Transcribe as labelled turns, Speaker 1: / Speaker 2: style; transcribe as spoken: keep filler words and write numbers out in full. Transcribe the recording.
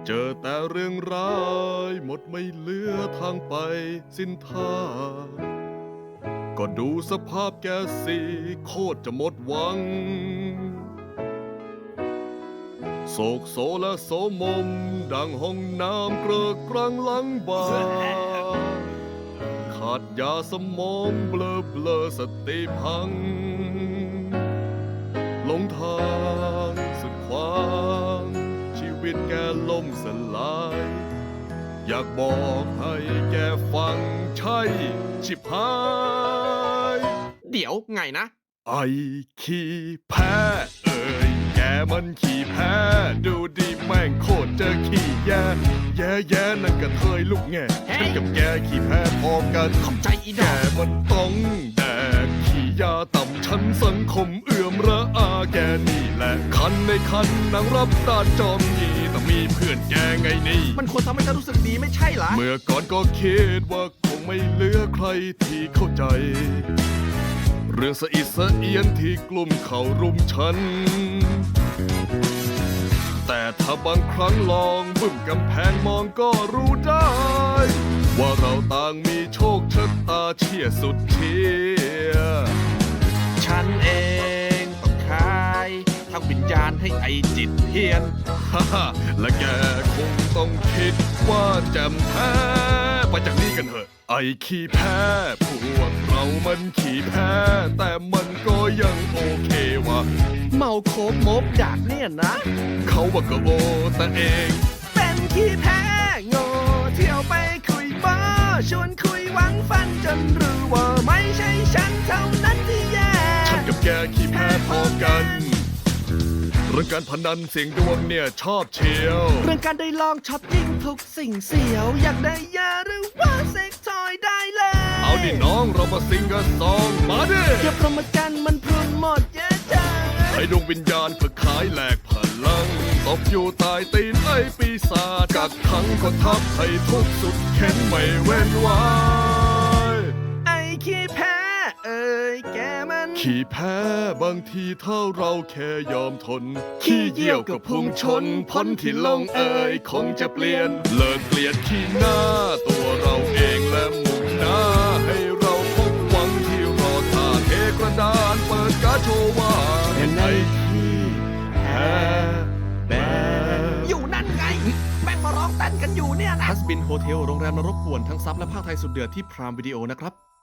Speaker 1: เจอแต่เรื่องร้ายหมดไม่เหลือทางไปสิ้นทางก็ดูสภาพแกสิโคตรจะหมดหวังโศกโศและโสมมดังห้องน้ำเกลอะกลางหลังบางขาดยาสมองเบลอเบลอสติพังหลงทางสุดขวางชีวิตแกล่มสลายอยากบอกให้แกฟังใช่ชิบหาย
Speaker 2: เดี๋ยวไงนะ
Speaker 1: ไอ้ขี้แพ้เอ่ยแกมันขี้แพ้ดูดีแม่งโคตรเจอขี้แย่แย่แย่นั่นกระเทยลูกแง่ฉันกับแกขี้แพ้พอกัน
Speaker 2: ขอบใจอีด
Speaker 1: แก
Speaker 2: อก
Speaker 1: มันต้องแดกขี้ยาต่ำชั้นสังคมเอื่อมระอาแกนี่แหละคันในคันนางรับตาจอมยีแต่มีเพื่อนแกไงนี่
Speaker 2: มันควรทำให้ฉันรู้สึกดีไม่ใช่เหรอ
Speaker 1: เมื่อก่อนก็คิดว่าคงไม่เหลือใครที่เข้าใจเรื่องสะอิดสะเอียนที่กลุ่มเขารุมฉันแต่ถ้าบางครั้งลองบึ้มกำแพงมองก็รู้ได้ว่าเราต่างมีโชคชะตาเชี่ยสุดเชีย
Speaker 2: ฉันเองต้องคายทั้งวิญญาณให้ไอจิตเพียน
Speaker 1: ฮ่าฮ่าและแกคงต้องคิดว่าแจ่มแท้ไปจากนี้กันเถอะไอ้ขี้แพ้พวกเรามันขี้แพ้แต่มันก็ยังโอเควะ
Speaker 2: เมาโคบมบดากเนี่ยนะ
Speaker 1: เขาว่าก็โอแต่เอง
Speaker 2: เป็นขี้แพ้โง่เที่ยวไปคุยบ้าชวนคุยหวังฟันจนรู้ว่าไม่ใช่ฉันเท่านั้นที่แย่
Speaker 1: ฉันกับแกขี้แพ้พอกันเรื่องการพนันเสียงดวงเนี่ยชอบเชียว
Speaker 2: เรื่องการได้ลองช็อปยิ่งทุกสิ่งเสียวอยากได้ยาหรือว่าเซ็กทอยได้เลย
Speaker 1: เอาดิน้องเรามาซิงกันสองมาดิ
Speaker 2: เทียบพรหมกันมันพรุนหมดเยอะจัง
Speaker 1: ให้ดวงวิญญาณเพื่อขายแหลกพลังตบอยู่ใต้ตีนไอ้ปีศาจกักขังก็ทับให้ทุกสุดเข็นไม่เว้นไว้
Speaker 2: ไอ้ขี้แพ้เอ้ยแกมัน
Speaker 1: ขี้แพ้บางทีถ้าเราแค่ยอมทนขี้เยี่ยวกับพุ่งชนพ้นที่ลงเอ่ยคงจะเปลี่ยนเลิกเกลียดขี้หน้าตัวเราเองและมุ่งหน้าให้เราพบหวังที่รอท่าเทกระดานเปิดการโชว์ว่า
Speaker 2: เป็นไอ้ขี้แพ้แบอยู่นั่นไงแม่งมาร้องเต้นกันอยู่เนี่ยนะฮัสบินโฮเทลโรงแรมนรกป่วนทั้งซับและภาคไทยสุดเดือดที่พรามวิดีโอนะครับ